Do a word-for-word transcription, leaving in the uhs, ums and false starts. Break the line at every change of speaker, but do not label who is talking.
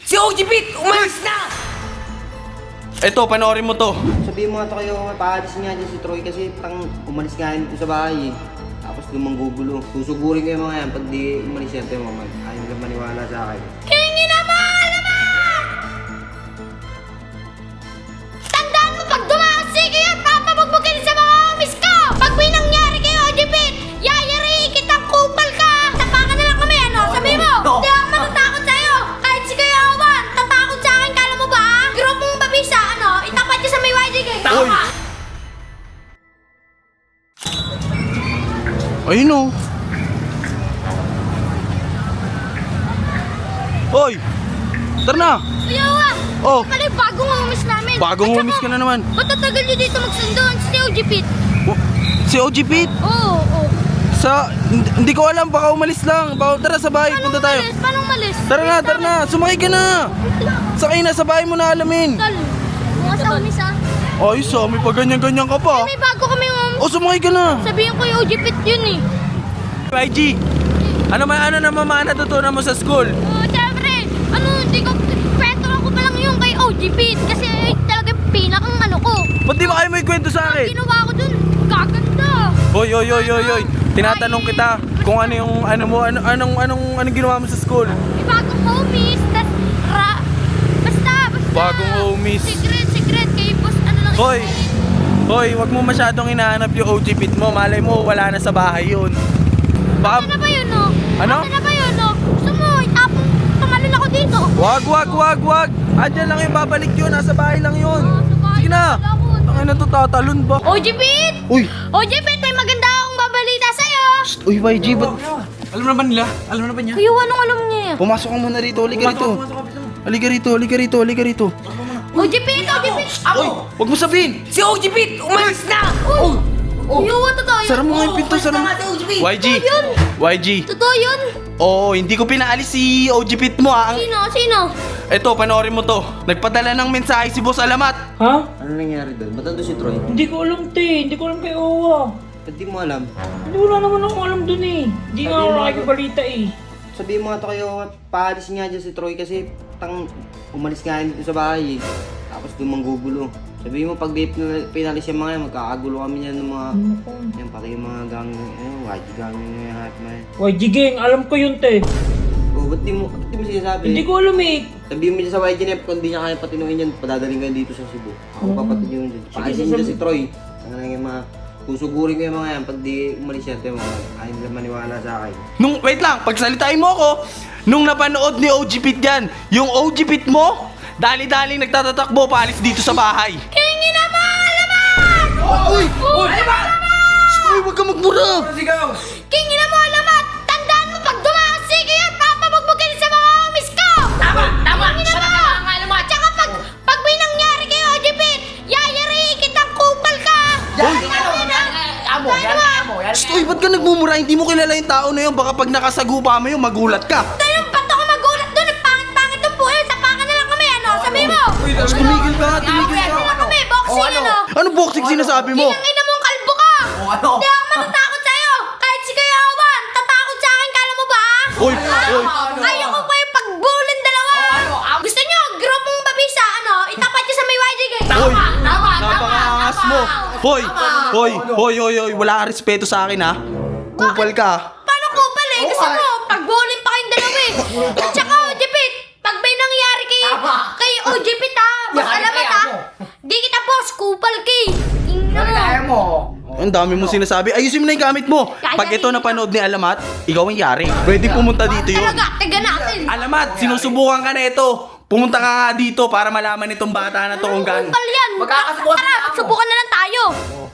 Si O G Pit, umalis na!
Eto, panoorin mo to.
Sabihin mo nga to kayo, paalis nga dyan si Troy kasi tang umalis nga yun dito sa bahay eh. Tapos lumang gugulo. Susugurin ko yung mga yan pag di umalis yan tayo mamag. Ayaw nila maniwala sa akin.
Kingi naman! Naman! Tandaan mo pag dumakasi kayo at papabugbugin sa mga homies ko! Pag may nangyari kayo, O G Pit, yayariin kitang kupal ka! Tapakan na lang kami, ano? Sabi mo! Hindi ako matatakot sa'yo! Kahit si Kuya Awan, tatakot sa akin, kala mo ba? Grupong babisa, ano? Itapat niyo sa may Y G Gang!
Uy! Ayun o. Hoy! Tara na!
Kuya Awan!
Oh.
Pala yung bagong homies namin!
Bagong
At saka,
homies ka na naman.
Ba't tatagal niyo dito magsundoan si O G Pit?
Oh, si O G Pit?
Oo, oo.
Sa... Hindi, hindi ko alam, baka umalis lang. Baka, tara sa bahay, punta tayo.
Malis? Paano malis?
Tara na, tara na! Sumakay ka na! Sakay na, sa bahay mo na alamin.
Tol, mga sa homies ah.
Ayos ah, may paganyan-ganyan ka pa.
May bago kami homies.
O, sumakay ka na!
Sabihin ko yung O G Pit yun eh.
Y G, ano man ano naman mga natutunan mo sa school?
Oo, syempre. Ano, hindi ko, kwento ko pa lang yung kay O G Pit. Kasi ay, talaga pinakang ano ko.
Ba't di ba kayo may kwento sa akin?
Ginawa ko dun, gaganda.
Hoy, hoy, hoy, hoy, hoy. Tinatanong kita kung ano yung ano mo, ano anong anong anong ginawa mo sa school?
May bagong homies, tas ra... Basta, basta.
Bagong homies.
Secret, secret, kay boss, ano lang.
Hoy. Hoy, wag mo masyadong hinahanap yung O G Pit mo. Malay mo wala na sa bahay yun.
Ano
Baka
na ba yun, no?
Ano?
Ano na ba yun, no? Gusto mo, itapong pangalan ako dito.
wag, wag, wag, wag. Andiyan lang yung babalik yun, nasa bahay lang yun.
Ah, sa bahay
Sige na.
wala ko.
Ang ina to tatalon ba?
O G Pit!
Uy,
O G Pit, may maganda akong babalita sa'yo.
uy Y G, ba't
Alam na ba nila? Alam na ba niya?
Kuya, anong alam niya yan?
pumasok ka muna rito, halika rito. Halika rito, halika rito, halika rito.
O G Pit, O G Pit!
Uy, wag mo sabihin.
Si O G Pit, umalis na!
Oh! Kuya, totoo yun?
Sara mo nga yung pinto, sara mo. Y G, Y G.
Totoo yun?
Oo, hindi ko pinaalis si O G Pit mo ah. Ang-
Sino? Sino?
Eto, panoorin mo to. Nagpadala ng mensahe si Boss Alamat.
Ha?
Ano nangyari doon? Ba't nandun si Troy?
Hindi ko alam, te. Hindi ko alam kay Owa.
Ba't di mo alam?
Hindi wala naman ako alam dun eh. Hindi nga ako nakikibalita eh.
Sabihin mo nga to kayo, paalis nga dyan si Troy kasi tang umalis nga yun dito sa bahay eh. Tapos lumang gugulo. Sabihin mo pag di pinal- pinalis yung mga yan, magkakagulo kami yan ng mga... Yan, pati yung mga gang... Ayun, Y G gang yung mga hat na yan.
Y G gang, alam ko yun, te.
Oh, ba't di mo, ba't di mo sinasabi?
Hindi ko alam eh.
Sabihin mo dyan sa Y G N F, kung di niya kaya patinuin yan, padadaling kayo dito sa Cebu. Ako papatid yun dyan. Paalisin dyan si Troy. Ang nga yung mga... Susugurin ko yung mga yan, pag di umalis yan, tayo mga ayaw nila maniwala sa akin.
Nung, wait lang, pagsalitain mo ako. Nung napanood ni O G Pit yan, yung O G Pit mo, dali-daling nagtatatakbo paalis dito sa bahay.
Kingi naman! Alamat!
Uy!
Uy! Alamat!
Uy, wag ka magmura!
Sigaw!
Kingi na mo, alamat! Tandaan mo pag dumakasi kayo at papabugbugin sa mga homies ko!
Tama! Tama!
Kingi
Siya na
mo!
nga ang alamat!
Tsaka pag, pag may nangyari kayo, O G Pit, yayariin kitang kupal ka!
Yan! Ano? Yan! Amo! Yan! Amo! Yan!
Uy, ba't ka nagmumura? Hindi mo kilala yung tao na yun. Baka pag nakasagupa mo yun, magulat ka.
Tanong, ba't ako magulat doon? Ang pangit-pangit ng buhay. Tapakan na lang kami, ano? Sabi mo!
Mas tumigil ka, tumigil
Ano
ka.
na kami? Boxing,
Oh, ano?
ano?
Ano boxing sinasabi mo?
Ang ina mong kalbo ka!
Oh, ano?
Hindi ako matatakot sa'yo! Kahit si Kuya Awan, tatakot sa akin, kala mo ba?
Uy,
Ah,
uy.
Kaya ko kayo pagbulin dalawa!
Oh, ano? Ah,
Gusto nyo, grupong babisa, ano? Itapat nyo sa may Y G Gang!
Hoy,
Tama!
napakangas mo. Hoy, hoy, hoy, hoy, hoy, wala kang respeto sa akin ha. Kupal ka.
Paano kupal eh? Gusto mo, pagbulin pa kayong dalawa eh! At saka, O G Pit, pag may nangyari kay,
Tama.
kay O G Pit ha, mas
Yan,
alamat
kaya
ha,
mo.
di kita boss, kupal kay! Tingnan
Yan!
mo!
Kaya mo!
Ang dami mo sinasabi. Ayusin mo na yung gamit mo. Pag ito napanood ni Alamat, ikaw ang yari. Pwede pumunta dito yun.
Talaga, tiga natin!
Alamat, sinusubukan ka na ito. Pumunta ka nga dito para malaman itong bata na to kung gaano.
Kupal yan!
Magkakasubukan
Tara,
na ako.
subukan na lang tayo!